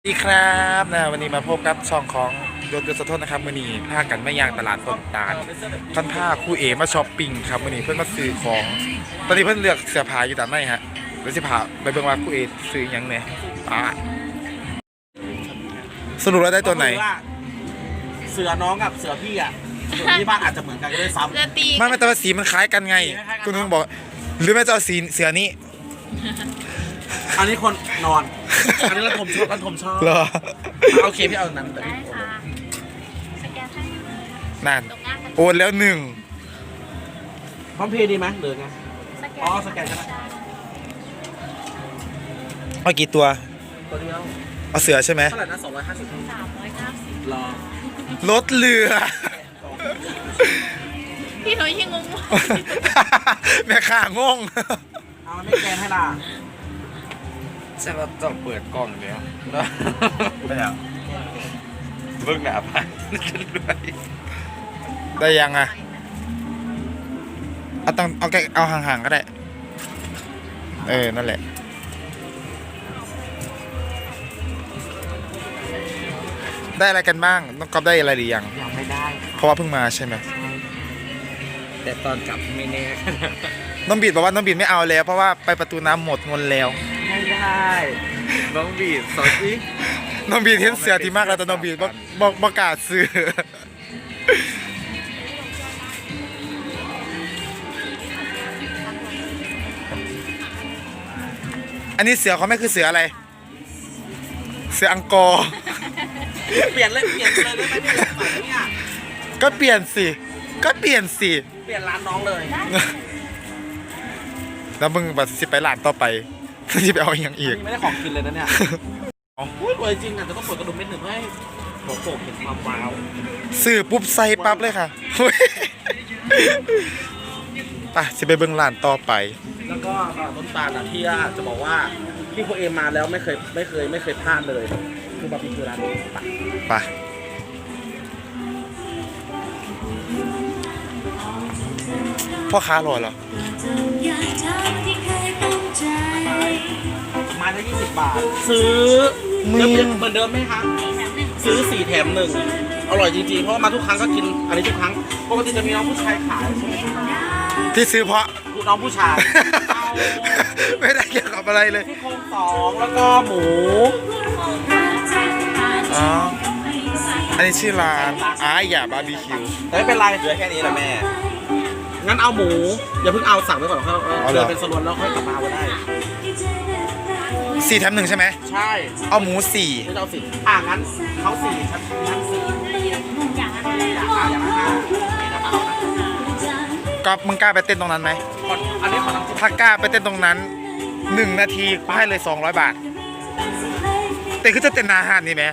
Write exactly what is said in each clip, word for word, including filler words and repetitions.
ดีครับนะวันนี้มาพบกับช่องของยศยศสะทนนะครับวันนี้พากันไม่ย่างตลาดต้นตาลท่านพาคู่เอมาช้อปปิ้งครับวันนี้เพื่อนมาซื้อของตอนนี้เพื่อนเลือกเสื้อผ้าอยู่แต่ไม่ฮะเดี๋ยวสิพาไปเบิ่งว่าคู่เอซื้อยังไงป้าสรุปแล้วได้ตัวไหนเสือน้องกับเสือพี่อ่ะส่วนที่บ้านอาจจะเหมือนกันก็ได้ซ้ำไม่ไม่แต่ว่าสีมันคล้ายกันไงคุณนึงบอกหรือไม่จะเอาสีเสือนี้อันนี้คนนอนอันนี้เราผมชอบกันผมชอบเหรอโอเคพี่เอานั้นแต่พี่นั่นโอนแล้วหนึ่งพร้อมเพย์ดีไหมหรือไงอ๋อสแกนใช่ไหมเอากี่ตัวตัวเดียวเอาเสือใช่ไหมเท่าไหร่นะสองร้อยห้าสิบสามร้อยเก้าสิบรอรถเรือพี่หนุ่ยยังงงแม่ข่างงเอาไม่แกนให้ล่ะใช่ว่าต้องเปิดกล้องแล้วไม่เอาเบิ่งหน้าพันด้วยได้ยังอ่ะเอาต้องเอาแกเอาห่างๆก็ได้เออนั่นแหละได้อะไรกันบ้างน้องก๊อฟได้อะไรหรือยังยังไม่ได้เพราะว่าเพิ่งมาใช่ไหมแต่ตอนกลับไม่แน่น้องบีดบอกว่าน้องบีดไม่เอาแล้วเพราะว่าไปประตูน้ำหมดเงินแล้วไม่ได้น้องบีดสอนสิน้องบีดเห็นเสือที่มากแล้วแต่น้องบีดบอกบอกประกาศซื้ออันนี้เสือเขาไม่คือเสืออะไรเสืออังกอร์เปลี่ยนเลยเปลี่ยนเลยได้ไหมเนี่ยก็เปลี่ยนสิก็เปลี่ยนสิเปลี่ยนร้านน้องเลยแล้วมึงแบบสิไปร้านต่อไปที่ไปเอาอย่างอีกไม่ได้ของกินเลยนะเนี่ยอุ้ยรวยจริงอ่ะจะต้องเปิดกระดุมเม็ดหนึ่งให้หัวโป่งเห็นความว้าวซื้อปุ๊บใส่ปั๊บเลยค่ะไปสิไปเบิ่งร้านต่อไปแล้วก็ต้นตาลที่จะบอกว่าที่โคเอมาแล้วไม่เคยไม่เคยไม่เคยพลาดเลยคือบาร์บีคิวร้านนี้ไปพ่อค้ารอเหรอไม้ละยี่สิบบาทซื้อเหมือนเดิมไหมคะซื้อสี่แถมหนึ่งอร่อยจริงๆเพราะมาทุกครั้งก็กินอันนี้ทุกครั้งปกติจะมีน้องผู้ชายขายใช่ไหมที่ซื้อเพราะน้องผู้ชายไม่ได้เกี่ยวกับอะไรเลยที่โครงสองแล้วก็หมูอ๋ออันนี้ชื่อร้านอาหย่าบาร์บีคิวไม่เป็นไรเหลือแค่นี้แหละแม่งั้นเอาหมูอย่าเพิ่งเอาสั่งไว้ก่อนเขาเดินเป็นสลวนแล้วค่อยกลับมาก็ได้สี่แถมหนึ่งใช่ไหมใช่เอาหมูสี่ไม่เอาสี่อ่างั้นเขาสี่ชั้นชั้นสี่อย่างนั้นอย่างนั้นอย่างนั้นก็มึงกล้าไปเต้นตรงนั้นไหมอันนี้ขอถ้ากล้าไปเต้นตรงนั้นหนึ่งนาทีให้เลยสองร้อยบาทแต่คือจะเต้นอาหารนี่ไหม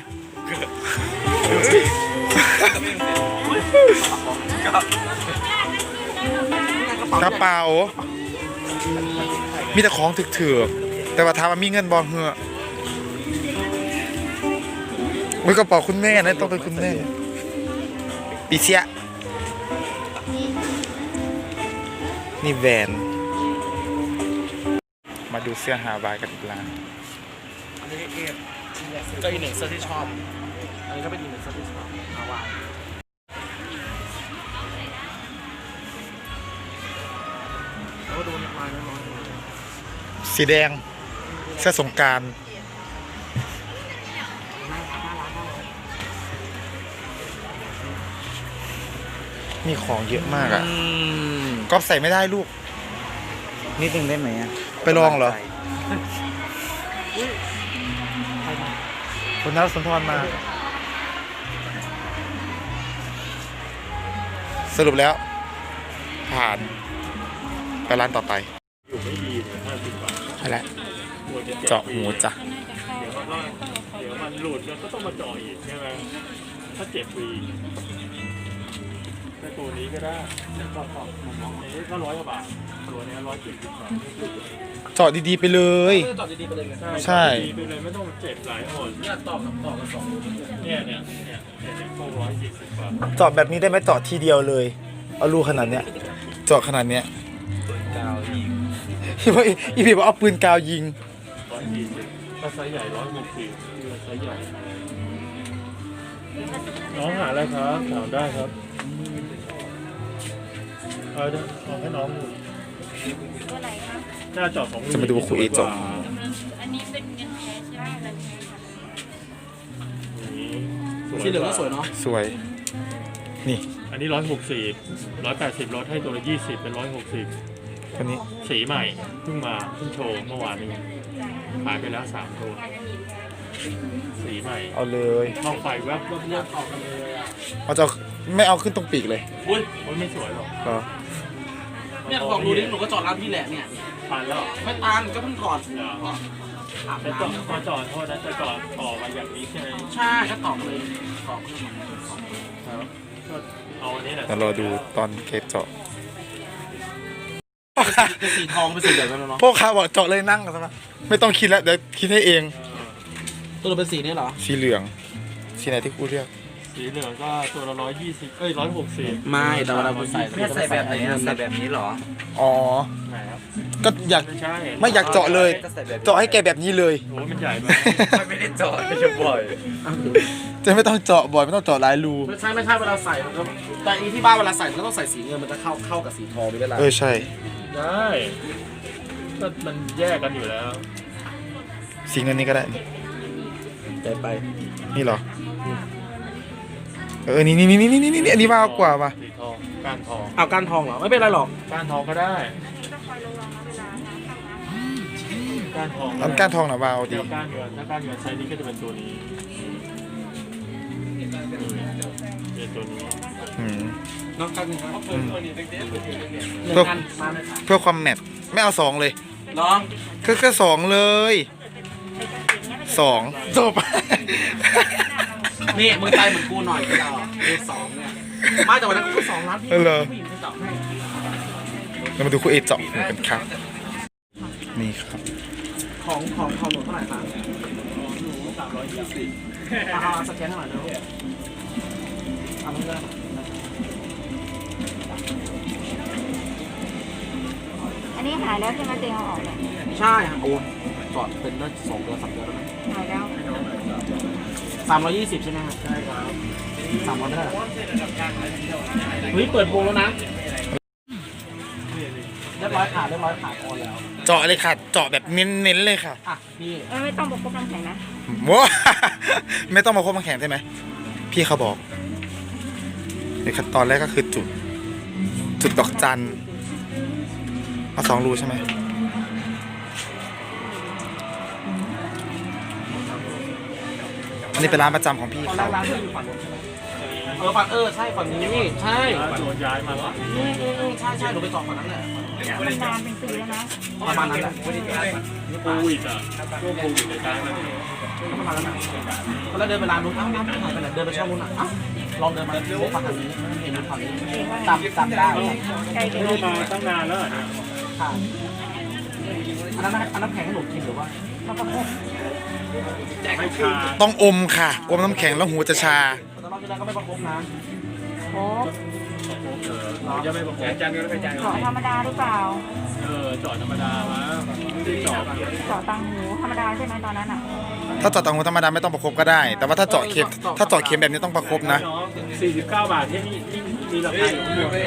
กระเป๋ามีแต่ของถึกๆแต่ว่าถามว่ามีเงินบอลเหรอมีกระเป๋าคุณแม่นะต้องเป็นคุณแม่ปีเสียนี่แวนมาดูเสื้อฮาวายกันอีกร้านอันนี้เอฟก็อีกหนึ่งเสื้อที่ชอบอันนี้ก็เป็นอีกหนึ่งเสื้อที่ชอบฮาวายแล้วก็ดูลายน้อยๆสีแดงเสื้อสงกรานต์มีของเยอะมากอ่ะก๊อฟใส่ไม่ได้ลูกนิดนึงได้ไหมอ่ะไปลองเหรอคุณนัทสุนทรมาสรุปแล้วผ่านไปร้านต่อไปอยู่ไม่ดีเลยห้าสิบบาทใช่แล้วเจาะหูจ้ะเดี๋ยวมันก็เดี๋ยวมันหลุดแล้วก็ต้องมาเจาะอีกใช่ไหมถ้าเจ็บฟรีแต่ตัวนี้ก็ได้ก็ก็นี้ก็ร้อยกว่าบาทตัวนี้ร้อยเจ็ดสิบบาทเจาะดีๆไปเลยจอดดีๆไปเลยใช่ดีไปเลยไม่ต้องเจ็บหลายหนเนี่ยต่อกับต่อกับสองเนี่ยเนี่ยเนี่ยเนี่ยพวกร้อยเจ็ดสิบบาทเจาะแบบนี้ได้ไหมเจาะทีเดียวเลยเอารูขนาดเนี้ยเจาะขนาดเนี้ยกาวยิงอีพี่อีพี่บอกเอาปืนกาวยิงร้อยยี่สิบถ้าไซส์ใหญ่ร้อยหกสิบไซส์ใหญ่น้องหาอะไรครับถามได้ครับเอาเด้อเอาให้น้องตัวไหนครับหน้าจอของจะมาดูครูเอเจาะอันนี้เป็นเงินแท้ใช่ไหมเงินแท้ค่ะสีเหลืองก็สวยเนาะสวย นี่อันนี้ร้อยหกสิบร้อยแปดสิบลดให้ตัวละยี่สิบเป็นร้อยหกสิบตัวนี้สีใหม่เพิ่งมาเพิ่งโชว์เมื่อวานนี้ขายไปแล้วสามตัวสีใหม่เอาเลยมองไฟแวบแวบแวบออกกันเลยอ่ะเอาจะไม่เอาขึ้นตรงปีกเลยอุ้ยโอ้ยไม่สวยหรอกเหรอเนี่ยบอกดูดิหนูก็จอดร้านพี่แหละเนี่ยทานแล้วเหรอไม่ตามก็เพิ่งก่อนเดี๋ยวอาบจะจอดน้ำพอจอดโทษนะจะจอดต่อมาอย่างนี้ใช่ไหมใช่ก็ตอบเลยตอบขึ้นมาครับก็เอาอันนี้แหละเดี๋ยวรอดูตอนเคสเจาะเป็นสีทองเป็นสีเหลืองแล้วเนาะพวกค้าบอกเจาะเลยนั่งกันซะนะไม่ต้องคิดแล้วเดี๋ยวคิดให้เองตัวเราเป็นสีนี้เหรอสีเหลือง สีไหนที่กูเรียกสีเหลืองก็ตัวละร้อยยี่สิบเอ้ยร้อยหกสิบไม่แต่เวลาผมใส่เนี่ยใส่แบบไหนอะใส่แบบนี้เหรออ๋อไหนครับก็อยากไม่ใช่ไม่อยากเจาะเลยก็ใส่แบบเจาะให้แกแบบนี้เลยโอ้มันใหญ่ไปไม่ได้จอดไม่ใช่บ่อยจะไม่ต้องเจาะบ่อยไม่ต้องเจาะหลายรูไม่ใช่ไม่ใช่เวลาใส่มันก็แต่อีที่บ้านเวลาใส่มันก็ต้องใส่สีเงินมันจะเข้าเข้ากับสีทองไปด้วยล่ะเออใช่ได้ก็มันแยกกันอยู่แล้วสีเงินนี้ก็ได้ใจไปนี่เหรอ เออ นี่นี่นี่นี่นี่นี่อันนี้มากกว่าป่ะสีทองก้านทองเอาก้านทองเหรอไม่เป็นไรหรอกก้านทองก็ได้ต้องคอยระวังนะเวลาทำนะก้านทองอันก้านทองหน่ะวาวดีเดี๋ยวก้านเงินถ้าก้านเงินไซส์นี้ก็จะเป็นตัวนี้เป็นตัวนี้อืมน้องก้านหนึ่งครับอืมหนึ่งอันมาเลยค่ะเพื่อความแมทไม่เอาสองเลยน้องก็แค่สองเลยสองจบนี่มึงใจเหมือนกูหน่อยก็ได้เลขสองเนี่ยไม่แต่วันนั้นกูสองล้านพี่เออเหรอผู้หญิงไปตอบให้เรามาดูคู่เอเจาะกันครับ นี่ครับของของของหนูเท่าไหร่คะสามร้อยยี่สิบเอาเอาสแกนให้หน่อยนะทำเงินอันนี้หายแล้วใช่ไหมเตียงเอาออกเลยใช่ค่ะโอ้จอดเป็นได้สองเดือนสามเดือนแล้วนะหายแล้วสามร้อยยี่สิบใช่ไหมครับใช่ครับสามร้อยไม่ได้หรอเฮ้ยเปิดโปรแล้วนะเรียบร้อยขาดเรียบร้อยขาดโอนแล้วเจาะเลยค่ะ เจาะแบบเน้นๆเลยค่ะอ่ะพี่เอ้ยไม่ต้องบอกพวกน้ำแข็งนะว้า ไม่ต้องมาควบมาแข่งใช่ไหม พี่เขาบอกในขั้นตอนแรกก็คือจุด จุดดอกจันเอาสองรูใช่ไหม อันนี้เป็นร้านประจำของพี่ตอนแรเขากร้านที่อยู่ฝั่งนู้นใช่ไหมเออฝั่งเออใช่ฝั่งนี้ใช่โดนย้ายมาแล้วอืมอืมอืมใช่ใช่หนูไปจอดฝั่งนั้นแหละมันนานเป็นปีแล้วนะประมาณนั้นแหละโควิดอ่ะช่วงโควิดจะย้ายมาที่นี่ประมาณนั้นแหละตอนแรกเดินไปร้านนู้นอ้าวร้านนู้นหายไปไหนเดินไปช่องนู้นอ่ะอ้าวลองเดินมาเลี้ยวฝั่งนี้เห็นฝั่งนี้ตามตามได้ไกลเกิไม่นได้มาตั้งนานแล้วอะเนี่ยค่ะอันนั้นอันนั้นแข็งให้หนูกินหรือว่ามาประกบไม่ชาต้องอมค่ะ อมน้ำแข็งแล้วหูจะชาแต่รอบที่แล้วก็ไม่ประคบนะโอ้จะไม่บอกจันก็ไปจันเจาะธรรมดาหรือเปล่าเออจอดธรรมดามาไม่ได้จอดเจาะตังหูธรรมดาใช่ไหมตอนนั้นอ่ะถ้าเจาะตังหูธรรมดาไม่ต้องประคบก็ได้ แต่ว่าถ้าเจาะเข็ม ถ้าเจาะเข็มแบบนี้ต้องประคบนะสี่สิบเก้าบาทที่นี่มีราคาอยู่ข้างบน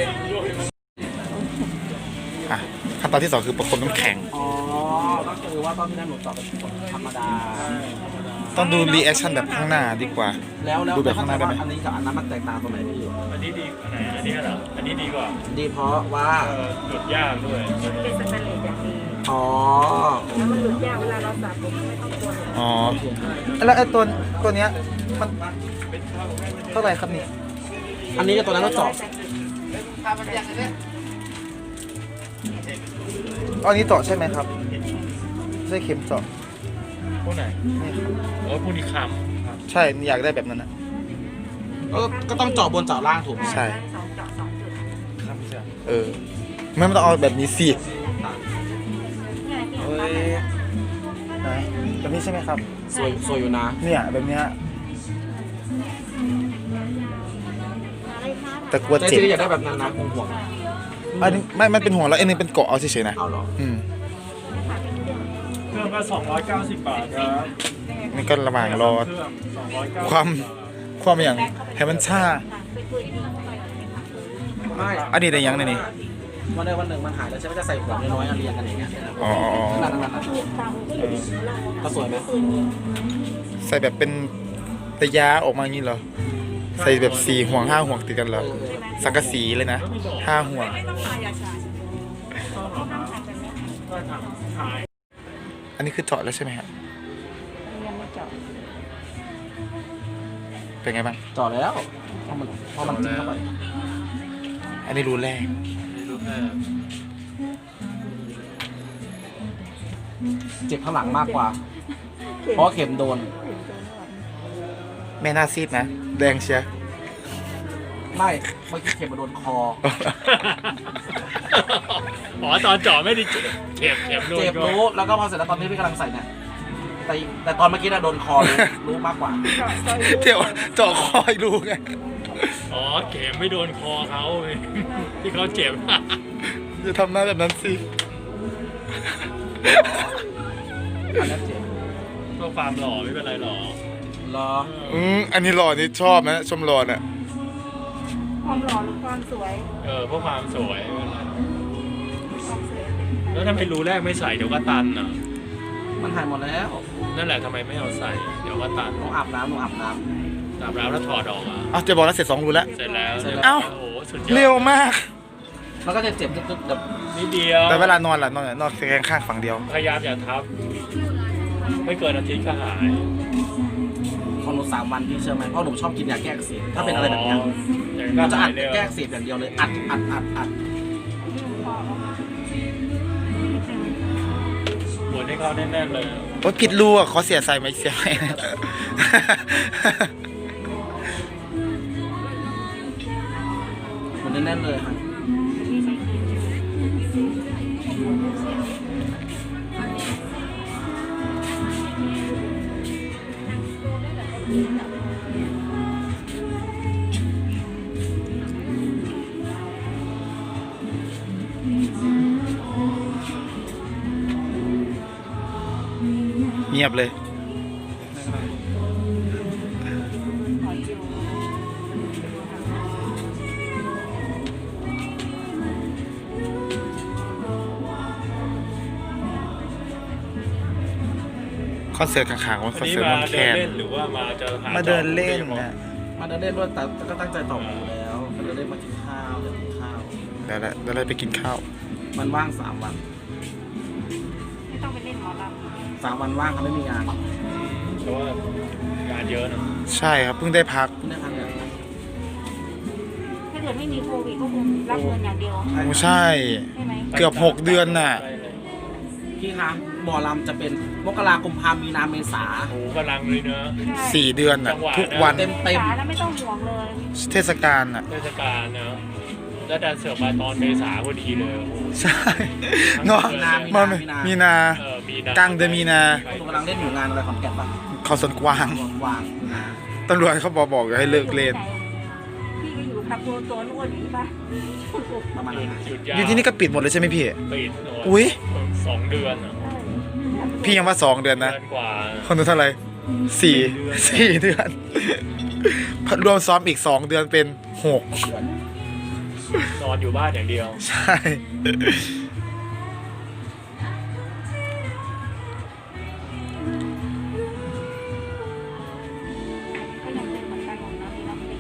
อ่ะขั้นตอนที่สองคือประคบน้ำแข็งอ๋อก็คือว่าตอนที่นั้นหนูจอดเป็นธรรมดาต้องดูรีแอคชั่นแบบข้างหน้าดีกว่าแล้วแล้วดูแบบข้างหน้าได้ไหมอันนี้กับอันนั้นมันแตกต่างตรงไหนพี่อันนี้ดีอันไหนอันนี้เหรออันนี้ดีกว่าดีเพราะว่าเออหยุดยากด้วยเป็นสแตนเลสอย่างดีอ๋อแล้วมันหลุดยากเวลาเราสระผมไม่ต้องกลัวเลยอ๋อ แล้วไอ้ตัวตัวเนี้ยมันเท่าไหร่ครับนี่อันนี้กับตัวนั้นต้องเจาะอันนี้เจาะใช่ไหมครับไม่ใช่เข็มเจาะพวกไหนนี่ครับโอ้พวกนี้คใช่อยากได้แบบนั้นนะเออก็ต้องเจาะบนเจาะล่างถูกไหมใช่สองเจาะสองจุดเออ ไม่ต้องเอาแบบนี้สิเนี่ยที่เอ้ยนะแบบนี้ใช่ไหมครับสวยสวยอยู่นะเนี่ยแบบเนี้ยอะไรคะแต่กลัวใจเจ็บซื้ออยากได้แบบนั้นนะคงห่วงอันนี้ไม่มันเป็นห่วงแล้วอันนึงเป็นเกาะเอาเฉยๆนะเอาเหรออืมเรื่องก็สองร้อยเก้าสิบบาทครับนี่ก็ระหว่างรอเครื่องสองร้อยเก้าสิบความความอย่างให้มันชาไม่อันนี้ได้ยังเนี่ยนี่วันใดวันหนึ่งมันหายแล้วใช่ไหมจะใส่ขวดน้อยๆเรียงกันอย่างเงี้ยอ๋ออ๋ออ๋อนั่นนั่นนั่นก็สวยไหมใส่แบบเป็นตะยาออกมาอย่างนี้เหรอใส่แบบสี่ห่วงห้าห่วงติดกันเหรอสังกะสีเลยนะห้าห่วง อันนี้คือเจาะแล้วใช่ไหมฮะยังไม่จบเป็นไงบ้างจ่อแล้วพอมันพอมันจิ้มเข้าไปอันนี้รูแรกเจ็บข้างหลังมากกว่า เพราะเข็มโดนแม่หน้าซีดนะ แดงเชียร์ไม่เมื่อกี้เข็มมาโดนคออ๋อตอนเจาะไม่ได้เจ็บเจ็บเจ็บโดนเจ็บก็รู้แล้วก็พอเสร็จแล้วตอนที่พี่กำลังใส่เนี่ยแต่แต่ตอนเมื่อกี้น่ะโดนคอรู้รู้มากกว่าเที่ยวเจาะคอยรูไงอ๋อเข็มไม่โดนคอเขาที่เขาเจ็บจะทำหน้าแบบนั้นสิอันนั้นเจ็บก็ความหล่อไม่เป็นไรหรอกรออืมอันนี้หล่อนี่ชอบนะ ชมหล่อน่ะความหล่อหรือความสวยเออเพราะความสวยไม่เป็นไรความสวยแล้วทำไมรูแรกไม่ใส่เดี๋ยวก็ตันอ่ะมันหายหมดแล้วนั่นแหละทำไมไม่เอาใส่เดี๋ยวก็ตันหนูอาบน้ำหนูอาบน้อาบน้ำแล้วถอดออกอ่ะอ้าวจะบอกแล้วเสร็จสองรูแล้วเสร็จแล้วเอ้าโอ้โหสุดยอดเร็วมากำมันก็จะเจ็บตึ๊บๆแบบนิดเดียวแต่เวลานอนล่ะนอนไหนนอนแขงข้างฝั่งเดียวพยายามอย่าทับ ไม่เกินอาทิตย์ก็หายของหนูสามวันพี่เชื่อไหมเพราะหนูชอบกินยาแก้อักเสบถ้าเป็นอะไรแบบเนี้ยอย่างเรานั้นจะหาอัยดเร็วแก้อักเสบอย่างเดียวเลยอัดอัดอัดอัดหมุนให้เขาแน่นๆเลยโอ้ยผิดรูอ่ะขอเสียใส่ไหมเสียไหมมันแน่นๆเลยค่ะเงียบเลย คอนเสิร์ตข้างๆว่าควัอน นนี้เสิร์ตมามันแคเดินนเล่นหรือว่ามาจะหามาเดินเล่นจอบนะมาเดินเล่นด้วยแต่ก็ตั้งใจต่ออยู่แล้วมาเดินเล่นมากินข้าวเดินกินข้าวเดี๋ยวเราเดี๋ยวเราไปกินข้าวมันว่างสามวันไม่ต้องไปเล่นหมอลสามวันว่างเขาไม่มีงานเพราะว่างานเยอะนะใช่ครับ เพิ่งได้พักเพิ่งได้พักเนี่ยำถ้าเกิดไม่มีโควิดก็คงรับเงินอย่างเดียวโอ้ใช่ใช่ไหมเกือบหกเดือนน่ะพี่คะหมอลำจะเป็นมกราคมพามีนาเมษาโอ้โหกำลังเลยเนอะสี่เดือนน่ะจังหวะทุกวันเต็มเต็มสาแล้วไม่ต้องห่วงเลยเทศกาลน่ะเทศกาลเนอะแล้วดันเสือกมาตอนเมษาพอดีเลยโอ้โหใช่เนาะนามีมานามีนามีนาเออมีนากลางเดือนมีนาหนูกำลังเล่นอยู่งานอะไรขอนแก่นปะเขาสวนกวางวางนะตำรวจเขาบอกบอกให้เลิกเล่นพี่ก็อยู่กับตัวตัวอ้วนอยู่ปะประมาณหยุนั้ดนหยุดยาวอยู่ที่นี่ก็ปิดหมดเลยใช่ไหมพี่ปิดหมดอุ๊ยสองเดือนอะพี่ยังว่าสองเดือนนะเดือนกว่าคนดูเท่าไหร่สี่สี่สี่เดือน รวมซ้อมอีกสองเดือนเป็นหกนอนอยู่บ้านอย่างเดียวใช่ก็ยังเป็นเหมือนกันหมดนะพี่น้อง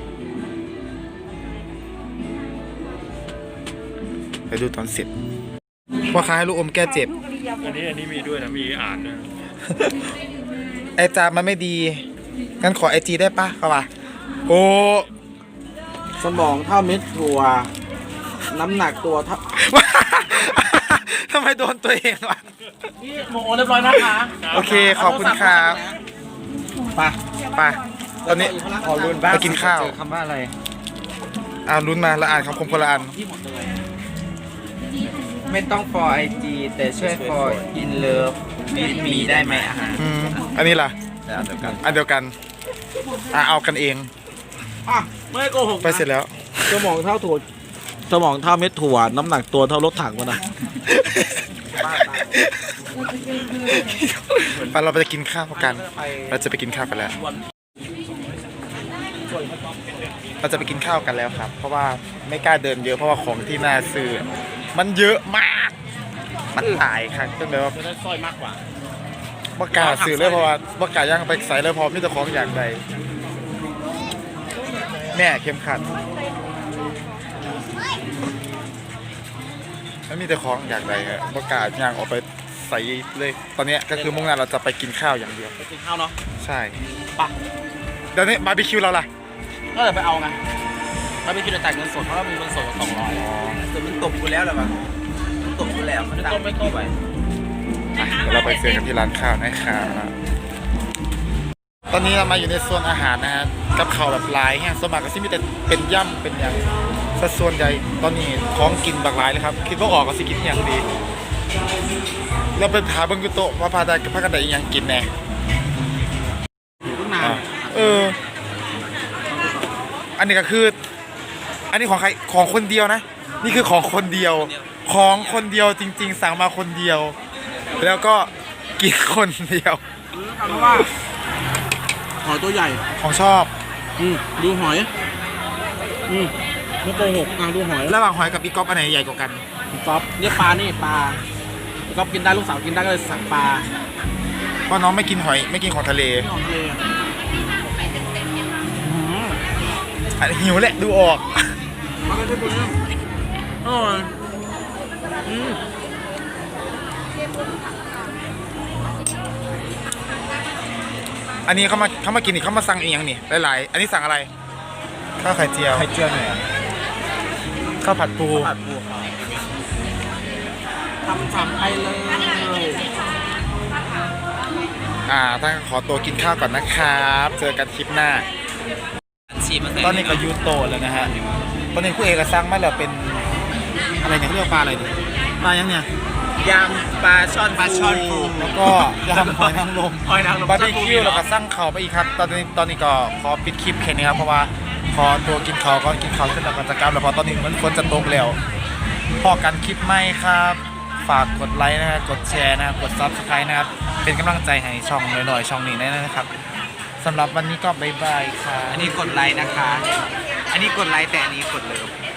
ไปดูตอนเสร็จพ่อค้าให้ลูกอมแก้เจ็บลูกอริยาบอันทนี้อันนี้มีด้วยนะมีอ่านด้วยนะไอจามมันไม่ดี งั้นขอไอจีได้ปะเขาว่าโอ้สมองเท่าเม็ดถั่วน้ำหนักตัวเท่าทำไมโดนตัวเองวะพี่โมโอเรียบร้อยนะคะโอเค ขอบคุณครับไปไปตอนนี้ขอรุนบ้างไปกินข้าวเจอคำว่าอะไรอ่านลุ้นมาแล้วอ่านคำคมคนละอันที่หมดเลยไม่ต้อง for ไอ จี แต่ช่วย for in love with me ได้ไหมอาหารอืมอันนี้ล่ะแต่อันเดียวกันอันเดียวกัน อ่ะเอากันเองอ่ะไม่โกหกนะไปเสร็จแล้วสมองเท่าถั่วสมองเท่าเม็ดถั่วน้ำหนักตัวเท่ารถถังวะนะบ้าตายไปเราไปจะกินข้าวกัน เราจะไปกินข้าวกันแล้ว เราจะไปกินข้าวกันแล้วครับ เพราะว่าไม่กล้าเดินเยอะเพราะว่าของที่น่าซื้อมันเยอะมาก มันหลายครับเป็นแบบว่าจะได้สร้อยมากกว่าบ่กล้าซื้อเลยเพราะว่าบ่กล้าย่างไปใส่เลยเพราะมีแต่ของอย่างใดแม่เข้มขัดมันมีแต่ของอย่างใดครับบ่กล้าย่างออกไปใส่เลย ตอนนี้ก็คือมุ่งหน้าเราจะไปกินข้าวอย่างเดียวไปกินข้าวเนาะใช่ปะเดี๋ยวนี้บาร์บีคิวเราล่ะก็เลยไปเอาไงถ้าไม่คิดจะจ่ายเงินสดเพราะว่ามีเงินสดสองร้อยแต่มันตกกูแล้วเหรอวะมันตกกูแล้วมันไม่ตังต้มค์ไม่ต้มไปอ่ะเดี๋ยวเราไปเจอกันที่ร้านข้าวนะครับตอนนี้เรามาอยู่ในโซนอาหารนะฮะกับข้าวแบบหลายแห้งสวนมัครก็สิมีแต่เป็นย่ำเป็นอย่างสัดส่วนใหญ่ตอนนี้ของกินบักหลายเลยครับคิดว่าออกก็สิกินอย่างดีเราไปหาเบิ้งกุโตะว่าพาได้พากันได้อีหยังกินแน่อยู่ตั้งนานอ่ะเออ อันนี้ก็คือ อันนี้ของใครของคนเดียวนะ นี่คือของคนเดียว ของคนเดียวจริง ๆ สั่งมาคนเดียว แล้วก็กินคนเดียวเพราะว่าหอยตัวใหญ่ของชอบอืมดูหอย อืมไม่โกหกอ่ะดูหอยระหว่างหอยกับอีกอฟอันไหนใหญ่กว่ากันก๊อฟเนี่ยปลานี่ปลาก๊อฟกินได้ลูกสาวกินได้ก็เลยสั่งปลาเพราะน้องไม่กินหอยไม่กินของทะเลที่ของทะเลอืมอ่ะหิวแหละดูออกมาเลยที่ตัวนี้อร่อยอืมอันนี้เขามาเขามากินนี่เขามาสั่งอีกอย่างนี่หลายๆ อันนี้สั่งอะไรข้าวไข่เจียวไข่เจียวเนี่ยข้าวผัดปูผัดปูครับทำสามไปเลยอ่าท่านขอตัวกินข้าวก่อนนะครับ เจอกันคลิปหน้าฉีดมาใส่ตอนนี้ก็ยูโตะแล้วนะฮะ ตอนนี้ผู้เอกก็สร้างมาแล้วเป็นอะไรเนี่ยเขาเรียกว่าปลาอะไรเนี่ยปลายังเนี่ยยำปลาช่อนปลาช่อนปูแล้วก็ยำหอยนางรมหอยนางรมบาร์บีคิวแล้วก็สร้างเขาไปอีกครับ ตอนนี้ตอนนี้ก็ขอปิดคลิปแค่นี้ครับเพราะว่าพอตัวกินเขาก็กินเขาวเสร็จแล้วก็จะกลับแล้วเพอตอนนี้มันฝนจะตกแล้วพอกันคลิปใหม่ครับ ฝากกดไลค์นะครับกดแชร์นะครับกดซับสไครต์นะครับเป็นกำลังใจให้ช่องหน่อยๆช่องนี้ได้นะครับสำหรับวันนี้ก็บ๊ายบายครับอันนี้กดไลค์นะคะ อันนี้กดไลค์แต่อันนี้กดเลิฟ